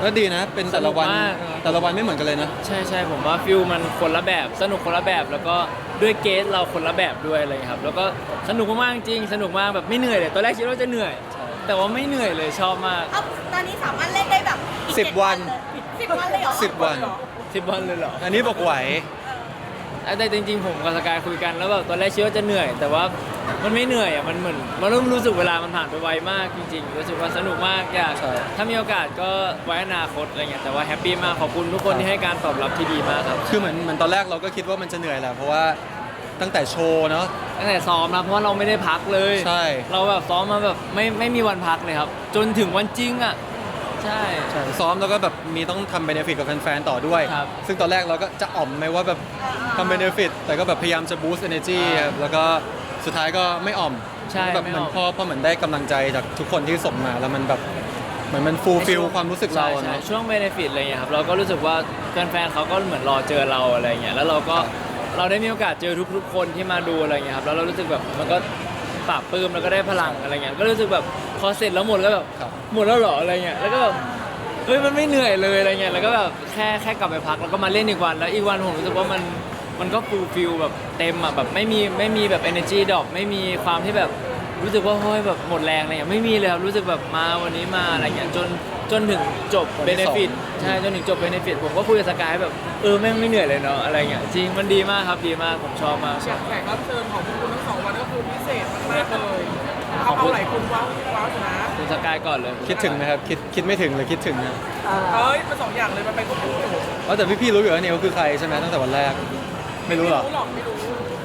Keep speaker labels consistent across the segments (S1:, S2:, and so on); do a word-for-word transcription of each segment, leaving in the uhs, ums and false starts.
S1: ก็ดีนะเป็นแต่ละวัน
S2: สนุกมาก
S1: แต่ละวันไม่เหมือนกันเลยนะ
S2: ใช่ใช่ผมว่าฟิลมันคนละแบบสนุกคนละแบบแล้วก็ด้วยเกสเราคนละแบบด้วยอะไรอย่างเงี้ยครับแล้วก็สนุกมากๆจริงสนุกมากแบบไม่เหนื่อยเลยตอนแรกคิดว่าจะเหนื่อย แต่ว่าไม่เหนื่อยเลยชอบมาก
S3: เอ้าตอนนี้สามารถเล่นได้แบบอีก
S1: สิบ
S3: เจ็ด
S1: วัน
S3: เลยสิบวันเลยเหรอ
S1: สิบวัน
S2: สิบวันเลยเหรอ
S1: อันนี้บอกไหว
S2: แต่จริงๆผมกับสกายคุยกันแล้วแบบตอนแรกคิดว่าจะเหนื่อย แต่ว่ามันไม่เหนื่อยอ่ะมันเหมือนมันเริ่มรู้สึกเวลามันผ่านไปไวมากจริงๆรู้สึกว่าสนุกมากอยาก
S1: ใช่
S2: ถ้ามีโอกาสก็ไว้อนาคตอะไรเงี้ยแต่ว่าแฮปปี้มากขอบคุณทุกคนที่ให้การตอบรับที่ดีมากครับ
S1: คือเหมือนเหมือนตอนแรกเราก็คิดว่ามันจะเหนื่อยแหละเพราะว่าตั้งแต่โชว์เนาะ
S2: ตั้งแต่ซ้อมนะเพราะว่าเราไม่ได้พักเลย
S1: ใช่
S2: เราแบบซ้อมมาแบบไม่ไม่มีวันพักเลยครับ จนถึงวันจริงอ่ะใช่
S1: ใช่ซ้อมแล้วก็แบบมีต้องทำเบเนฟิตกับแฟนๆต่อด้วย
S2: ครับ
S1: ซึ่งตอนแรกเราก็จะอ่อมไหมว่าแบบทำเบเนฟิตแต่ก็แบบพยายามจะบูสต์ energy ครับแล้วก็สุดท้ายก็ไม่อ่อม
S2: ใช่
S1: แบบ
S2: ไม่
S1: เหมือน
S2: ออก
S1: พอพอเหมือนได้กำลังใจจากทุกคนที่ส่งมาแล้วมันแบบเหมือนมันฟูลฟิลความรู้สึกเรา
S2: ใช่
S1: อะ
S2: ใช่
S1: เนาะ
S2: ช่วงเบนฟิตอะไรเงี้ยครับเราก็รู้สึกว่าแฟนๆเขาก็เหมือนรอเจอเราอะไรเงี้ยแล้วเราก็เราได้มีโอกาสเจอทุกๆคนที่มาดูอะไรเงี้ยครับแล้วเรารู้สึกแบบมันก็ปราบปลื้มแล้วก็ได้พลังอะไรเงี้ยก็รู้สึกแบบพอเสร็จแล้วหมดแล้วแบบ
S1: ครับ
S2: หมดแล้วเหรออะไรเงี้ยแล้วก็แบบเฮ้ยมันไม่เหนื่อยเลยอะไรเงี้ยแล้วก็แบบแค่แค่กลับไปพักแล้วก็มาเล่นอีกวันแล้วอีกวันผมรู้สึกว่ามันมันก็ฟูลฟิลแบบเต็มอ่ะแบบไม่มีไม่มีแบบ energy drop ไม่มีความที่แบบรู้สึกว่าเฮ้ยแบบหมดแรงอะไรเงี้ยไม่มีเลยครับรู้สึกแบบมาวันนี้มาอะไรเงี้ยจนจนถึงจบ
S1: วัน
S2: เบ
S1: ที่
S2: น
S1: สอง
S2: ฟิตใช่จนถึงจบเบนฟิตผมก็คุยกับสกายแบบเออแม่งไม่เหนื่อยเลยเนาะอะไรเงี้ยจริงมันดีมากครับดีมากผมชอบมาก
S4: อย่างแขกรับเชิญของพวกคุณทั้งสองวันก็คือพิเศษมากๆเลยเอาเอาหลายคนว้าวว้าวอยู่นะ
S2: คุณสกายก่อนเลย
S1: คิดถึงไหมครับคิดคิดไม่ถึงเลยคิดถึงนะ
S4: เอ้ยมันสองอย่างเลยมันไปควบคู่อยู่
S1: เพราะแต่พี่ๆรู้อยู่แล้วเนี่ยเขาคือใครใช่ไหมตั้งแต่วันแรกไม่รู้หรอ
S4: ไม่รู้หรอกไม่รู้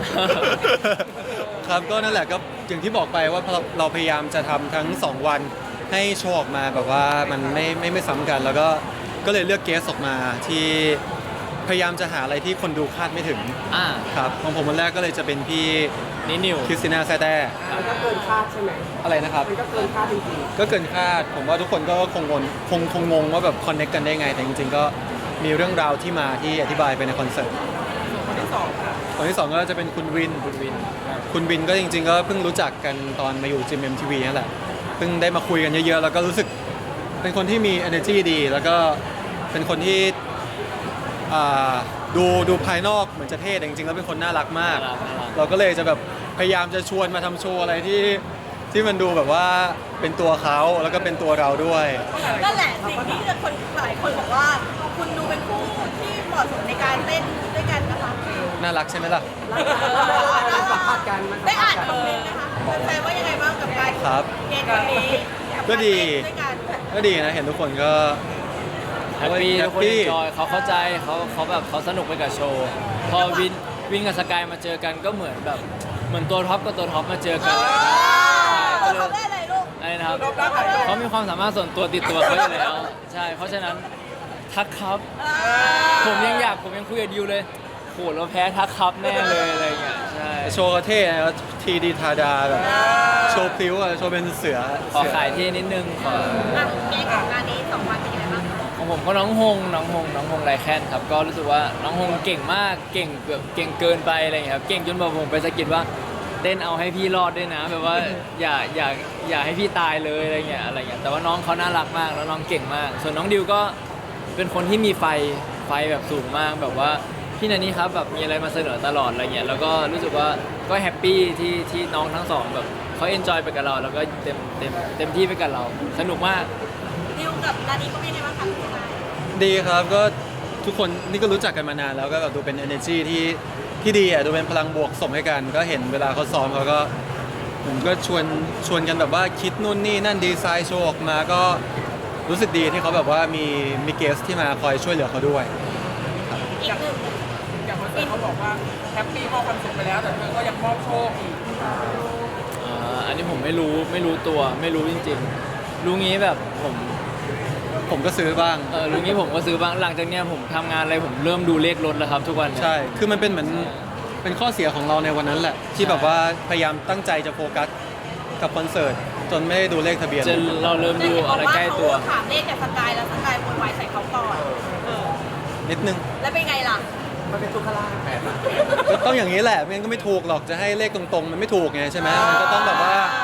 S1: ครับก็นั่นแหละก็อย่างที่บอกไปว่าเราเราพยายามจะทำทั้งสองวันให้โชว์ออกมาแบบว่ามันไม่ไม่ไม่ซ้ำกัน แล้วก็ก็เลยเลือกเกสออกมาที่พยายามจะหาอะไรที่คนดูคาดไม่ถึง
S2: อ่า
S1: ครับของผมวันแรกก็เลยจะเป็นพี่
S2: นี่นิว
S1: คริสติน่าแซ่แต้
S4: มันก็เกินคาดใช่ไหม
S1: อะไรนะครับ
S4: มันก็เกินคาดจริง
S1: ก็เกินคาดผมว่าทุกคนก็คงงงคงคงงงว่าแบบคอนเนคกันได้ไง แต่จริงๆก็มีเรื่องราวที่มาที่อธิบายไปในคอนเสิร์ต
S4: ๆคนที่สองค่ะ
S1: คนที่สองก็จะเป็นคุณวิน
S2: คุณวิน
S1: คุณวินก็จริงๆก็เพิ่งรู้จักกันตอนมาอยู่จิมเอ็มทีวีนั่นแหละเพิ่งได้มาคุยกันเยอะๆ แล้วก็รู้สึกเป็นคนที่มี energy ดี แล้วก็เป็นคนที่อ่าดูดูภายนอกเหมือนจะเท่แต่จริงๆแล้วเป็นคนน่ารักมาก
S2: น่ารักน่ารัก
S1: เราก็เลยจะแบบพยายามจะชวนมาทำโชว์อะไรที่ที่มันดูแบบว่าเป็นตัวเขาแล้วก็เป็นตัวเราด้วย
S3: นั่นแหละสิ่งที่คนหลายคนบอกว่า คุณดูเป็นคู่ที่เหมาะสมในการเล่นด้วยกันนะคะ
S1: น่ารักใช่ไหมล่ะ
S4: มันสัมภาษณ์กันมัน
S3: ได้อ่านคอมเมนต์นะคะแฟนๆว่ายังไงบ้างกับการ
S1: ครับ
S3: เกมวันนี้
S1: ก็ดี
S3: ด้วยกัน
S1: ก็ดีนะเห็นทุกคนก็
S2: แฮปปี้
S1: แฮ
S2: ทุ
S1: ป
S2: กคน
S1: ปี้
S2: เอนจอยเขาเข้าใจเขาเขาแบบเขาสนุกไปกับโชว์ พอวินวินกับสกายมาเจอกันก็เหมือนแบบเหมือนตัวท็อปกับตัวท็อปมาเจอ
S3: เอ
S2: กัน
S3: อ
S2: ใช่
S3: เขาได้อะไรลูก
S2: อะไรนะครับเขามีความสามารถส่วนตัวติดตัวเขาอยู่แล้วใช่เพราะฉะนั้นทักครับ ผมยังอยากผมยังคุยกับดิวเลยโหเราแพ้ทักครับแน่เลยอะไรอย่างเงี้ยใช่
S1: โชว์ก็เท่นะทีดีทาดาแบบโชว์พลิ้วอะโชว์เป็นเสือ
S2: ขอ
S1: เสือ
S2: ขายที่นิดนึงขอ
S3: อ่ะเกมของงานนี้สองวันเป็นยังไงบ้างคะ
S2: ของผมก็น้องฮงน้องฮงน้องฮงไรแคนครับก็รู้สึกว่าน้องฮงเก่งมากเก่งแบบเก่งเกินไปอะไรอย่างเงี้ยครับเก่งจนแบบผมไปสะกิดว่าเต้นเอาให้พี่รอดด้วยนะแบบว่าอย่าอย่าอย่าให้พี่ตายเลยอะไรเงี้ยอะไรเงี้ยแต่ว่าน้องเขาน่ารักมากแล้วน้องเก่งมาก ส่วนน้องดิวก็เป็นคนที่มีไฟไฟแบบสูงมากแบบว่าพี่นันนี่ครับแบบมีอะไรมาเสนอตลอดอะไรเงี้ยแล้วก็รู้สึกว่าก็แฮปปี้ที่ที่น้องทั้งสองแบบเขาเอนจอยไปกับเรา แล้วก็เต็มเต็มเต็มที่ไปกับเราสนุกมาก
S3: ดิวกับนานี้ก็เป็นยังไงบ้างคะคุณนาย
S1: ดีครับก็ทุกคนนี่ก็รู้จักกันมานานแล้วก็แบบดูเป็น energy ที่ที่ดีอ่ะดูเป็นพลังบวกส่งให้กัน ก็เห็นเวลาเขาซ้อมเขาก็ผมก็ชวนชวนกันแบบว่าคิดนู่นนี่นั่นดีไซน์โชว์ออกมาก็รู้สึกดีที่เขาแบบว่ามีมีเกสที่มาคอยช่วยเหลือเขาด้วย
S3: อีกหนึ่ง
S4: อย่างคอนเสิร์ตเขาบอกว่าแฮปปี้มอบความสุขไปแล้ว แต่เธอก็ยังมอบโชคอีก
S2: อ่าอันนี้ผมไม่รู้ไม่รู้ตัวไม่รู้จริงๆ รู้งี้แบบผม
S1: ผมก็ซื้อบ้าง
S2: เออรู้งี้ผมก็ซื้อบ้างหลังจากเนี้ยผมทำงานอะไรผมเริ่มดูเลขรถแล้วครับทุกวันเนี่ย
S1: ใช่ คือมันเป็นเหมือนเป็นข้อเสียของเราในวันนั้นแหละ ที่แบบว่าพยายามตั้งใจจะโฟกัสกับคอนเสิร์ตจนไม่ได้ดูเลขทะเบียน
S2: จะเราเริ่มดูอะไรใกล้ตัว
S3: เขาถามเลขจากสกายแล้วสกายโวยวายใส่เขาก่อนเออ
S1: นิดนึง
S3: แล้วเป็นไงล่ะ
S4: มันเป็นทุกขลาภ
S1: ก็ต้องอย่างนี้แหละไม่งั้นก็ไม่ถูกหรอกจะให้เลขตรงๆ มันไม่ถูกไงใช่ไหมมันก็ต้องแบบว่า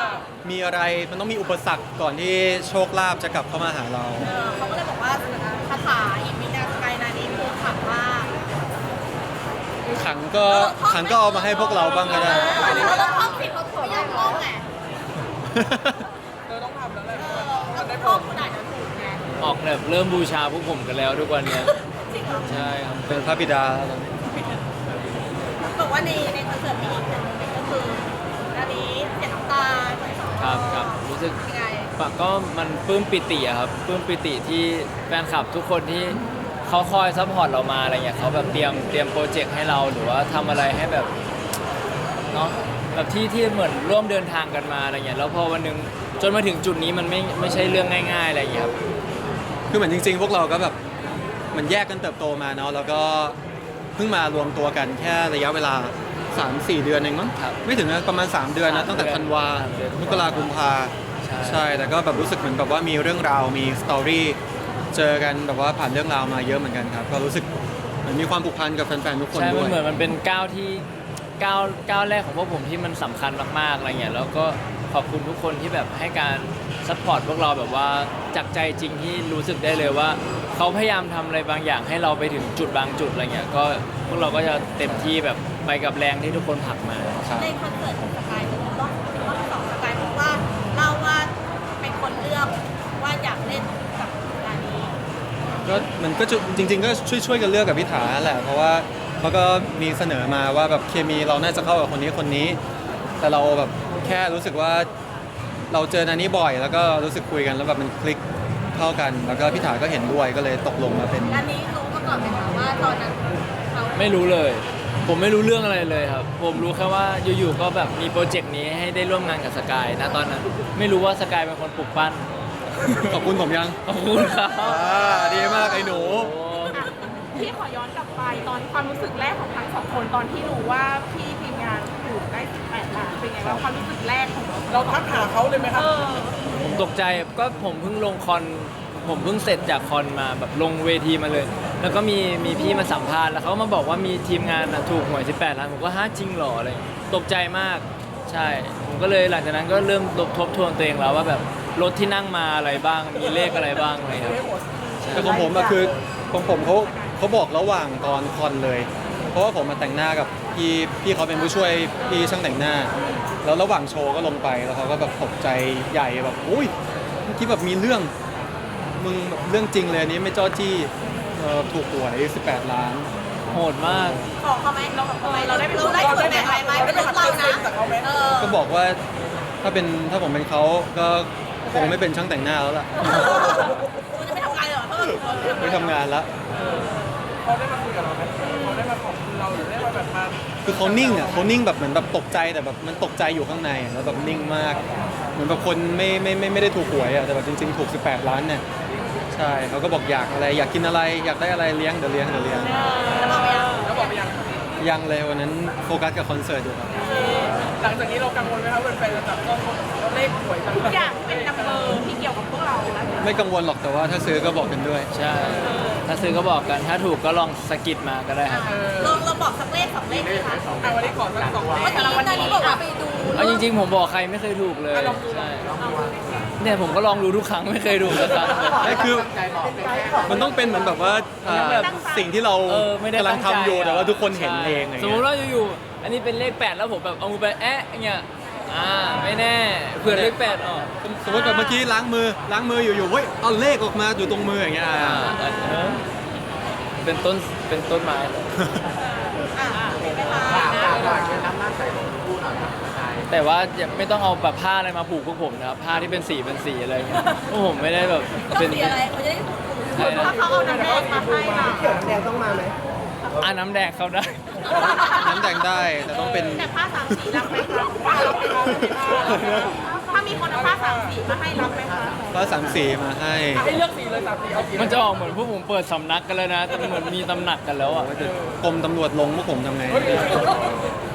S1: มีอะไรมันต้องมีอุปสรรคก่อนที่โชคลาภจะกลับเข้ามาหาเรา
S3: เออเขาก็เลยบอกว่าคาถาอิมินาสกายนานี้คือขลังมาก
S1: ขังก็ขังก็เอามาให้พวกเราบ้างก็ได้
S3: เราต้องท่องผิดเขาถูกไม่ยากท่องไง
S4: เธอต้องทำแล้วแหละ
S3: เออเราต้องท่องขนาดนั้นถูกไง
S2: ออกแบบเริ่มบูชาพวกผมกันแล้วทุกวันเนี้ย
S3: จริงเหรอ
S2: ใช่ครับ
S1: เป็นพระบิดาแล้วตอนนี้
S3: บอกว่าในในคอนเสิร์ตมีอีกหนึ่งโมเมนต์ก็คืออันนี้เสียน้ำตาคนสอง
S2: ครับครับรู้สึก
S3: ยังไง
S2: ปะก็มันปลื้มปิติอะครับปลื้มปิติที่แฟนคลับทุกคนที่เขาคอยซัพพอร์ตเรามาอะไรเงี้ยเขาแบบเตรียมเตรียมโปรเจกต์ให้เราหรือว่าทำอะไรให้แบบเนาะแบบที่ที่เหมือนร่วมเดินทางกันมาอะไรเงี้ยแล้วพอวันหนึงจนมาถึงจุดนี้มันไม่ไม่ใช่เรื่องง่ายๆอะไรเงี้ยครับ
S1: คือเหมือนจริง ๆ พวกเราก็แบบเหมันแยกกันเติบโตมาเนาะแล้วก็เพิ่งมารวมตัวกันแค่ระยะเวลา สามสี่ เดือนเองมั้ง
S2: ครับ
S1: ไม่ถึงนะประมาณ สาม เดือนนะตั้งแต่ธันวา
S2: สามเดือน
S1: มกราคมกุมภา
S2: ใช่
S1: ใช่แต่ก็แบบรู้สึกเหมือนแบบว่ามีเรื่องราวมีสตอรี่เจอกันแบบว่าผ่านเรื่องราวมาเยอะเหมือนกันครับก็รู้สึกเหมือนมีความผูกพันกับแฟนๆทุกคน
S2: ใช่
S1: ด้
S2: มั
S1: วน ย
S2: เหมือนมันเป็นก้าวที่ก้าวก้าวแรกของพวกผมที่มันสำคัญมากๆอะไรเงี้ยแล้วก็ขอบคุณทุกคนที่แบบให้การซัพพอร์ตพวกเราแบบว่าจากใจจริงที่รู้สึกได้เลยว่าเขาพยายามทำอะไรบางอย่างให้เราไปถึงจุดบางจุดอะไรเงี้ยก็พวกเราก็จะเต็มที่แบบไปกับแรงที่ทุกคนผลักมา
S1: ครับ
S3: ในคอนเสิร์ตของสกายจะต้องต้องสองสกายเพราะว่าเล่าว่าเป็นคนเลือกว่าอยากเล่นกับงานนี้
S1: ก็มันก็จะจริง ๆ ก็ช่วยๆกันเลือกกับพิธาแหละเพราะว่าเขาก็มีเสนอมาว่าแบบเคมีเราน่าจะเข้ากับคนนี้คนนี้ แต่เราแบบแค่รู้สึกว่าเราเจอนานี้บ่อย แล้วก็รู้สึกคุยกันแล้วแบบมันคลิกเข้ากัน แล้วก็พิธาก็เห็นด้วยก็เลยตกลงมาเป็น
S3: งานนี้รู้มาก่อนไหมคะว่าตอนนั้นเขา
S2: ไม่รู้เลย ผมไม่รู้เรื่องอะไรเลยครับ ผมรู้แค่ว่าอยู่ๆก็แบบมีโปรเจกต์นี้ให้ได้ร่วมงานกับสกายนะตอนนั้นไม่รู้ว่าสกายเป็นคนปลุกปั้น
S1: ขอบคุณผมยัง
S2: ขอบคุณครับ
S1: อ่าดีมากไอ้หนู
S2: โอ้
S5: พี่ขอย้อนกลับไปตอนความรู้สึกแรกของทั้งสองคนตอนที่รู้ว่าพี่ทีมงานถูกได้สิบแปดล้านเป็นไงบ้างความรู้สึกแรกของเรา
S4: เราทักหาเขาเลยไหมครับ
S5: เออ
S2: ผมตกใจก็ผมเพิ่งลงคอนผมเพิ่งเสร็จจากคอนมาแบบลงเวทีมาเลย แล้วก็มีมีพี่มาสัมภาษณ์แล้วเขาก็มาบอกว่ามีทีมงานน่ะถูกหวยสิบแปดล้านผมก็ฮะจริงเหรออะไรอย่างเงี้ยตกใจมากใช่ ผมก็เลยหลังจากนั้นก็เริ่มทบทวนตัวเองแล้วว่าแบบรถที่นั่งมาอะไรบ้างมีเลขอะไรบ้างอะไรครับ
S1: แต่ของผมอะคือของผมเขาเขาบอกระหว่างตอนคอนเลย เพราะว่าผมมาแต่งหน้ากับพี่พี่เขาเป็นผู้ช่วยพี่ช่างแต่งหน้า แล้วระหว่างโชว์ก็ลงไปแล้วเขาก็แบบตกใจใหญ่แบบอุ้ยเมื่อกี้แบบมีเรื่องมึงแบบเรื่องจริงเลยอันนี้ไม่จ้อจี้เอ่อถูกหวยสิบแปดล้าน
S2: โหดมาก
S3: ขอเขาไหมเราแบบเราได้เราได้ส่วนแบ่งอะไรไหมเป็นเรื่องเรานะเออ
S1: ก็บอกว่าถ้าเป็นถ้าผมเป็นเขาก็คงไม่เป็นช่างแต่งหน้าแล้วล่ะ
S3: คุณจะไม่ทำงานเหรอเพิ่ม
S1: ไม่ทำงานละ
S4: เขาได้มาคุยกับเราไหมเขาได้มาขอบคุณเราหรือได้มาแบบมา
S1: คือเขานิ่งอ่ะเขานิ่งแบบเหมือนแบบตกใจแต่แบบมันตกใจอยู่ข้างในอะแล้วแบบนิ่งมาก เหมือนแบบคนไม่ไม่ไม่ไม่ได้ถูกหวยอ่ะแต่แบบจริงๆถูกสิบแปดล้านเนี่ยใช่เขาก็บอกอยากอะไรอยากกินอะไรอยากได้อะไรเลี้ยงเดี๋ยวเลี้ยงเดี๋ยวเลี้ยง
S3: แล้วบอกไปยัง
S4: แล้วบอกไปยัง
S1: ยังเลยวันนั้นโฟกัสกับคอนเสิร์ตอยู่ครับ
S4: หลังจากนี้เรากังวลไหมครับแฟนๆจะจับต้องเลขหวยต่าง
S5: ทุกอย่างที่เป็นนัมเบอร์ที่เกี่ยวกับพวกเราแล้ว
S1: ไม่กังวลหรอกแต่ว่าถ้าซื้อก็บอกกันด้วย
S2: ใช่ ถ้าซื้อก็บอกกันถ้าถูกก็ลองสะกิดมาก็ได้ครับ
S4: ๆเออ
S3: เราเราบอกสักเลขสองเลขดีคะ
S4: อ่ะวันนี้ขอสักสองเล
S3: เมื่อ
S4: ข
S3: กี้นานี้บอกว่าไปดู
S2: เอาจริงๆผมบอกใครไม่เคยถูกเลย
S4: อ่ะลองดู
S2: ใช่เนี่ยผมก็ลองดูทุกครั้งไม่เคยถูกสักครั้งเลย
S1: ไม่คือมันต้องเป็นเหมือนแบบว่าอ่า
S2: แบบ
S1: สิ่งที่เรา
S2: เออไม่ได้
S1: กำลัง
S2: ตั้งใจ
S1: ทำอยู่แต่ว่าทุกคนเห็น
S2: ใช่
S1: เองอะไร
S2: สม
S1: เงี้
S2: ม
S1: ย
S2: ติว่าอยู่ๆอันนี้เป็นเลขแปดแล้วผมแบบเอามือไปแอะอย่างเงี้ยอ่าไม่แน่เผื่อเลขแปดออก
S1: สมมติแบบเมื่อกี้ล้างมือล้างมืออยู่ๆเฮ้ยเอาเลขออกมาอยู่ตรงมืออย่างเงี้ย
S2: อ่า
S1: อ่า
S2: เออเป็นต้นเป็นต้นไม้เลย
S3: อ่าเป็นเวลา
S2: แต่ว่าอย่าไม่ต้องเอาแบบผ้าอะไรมาผูกพวกผมนะครับผ้าที่เป็นสีเป็นสีอะไรเงี้ยพวกผมไม่ได้แบบ
S3: ต้อง
S2: เป็น
S3: สีอะไรเขาจะได้ถูก
S2: ใช่นะ
S5: ถ้าเขาเอาน้ำแดงมาให้เรา
S2: อ่าน้ำแดงเข้าได้
S1: น้ำแดงได้แต่ต้องเป็น
S5: แต่ผ้าสามสีรับไหมคะถ้ามีคนเอาผ้าสามสีมาให้รับไหมคะ
S1: ก็สามสีมาให้
S4: ให้เลือกสีเลยสามสีเอาสี
S2: มันจะออกเหมือนพวกผมเปิดสำนักกันแล้วนะแต่เหมือนมีตำหนักกันแล้วอ่ะ
S1: กรมตำรวจลงพวกผมทำไง
S4: เฮ้ย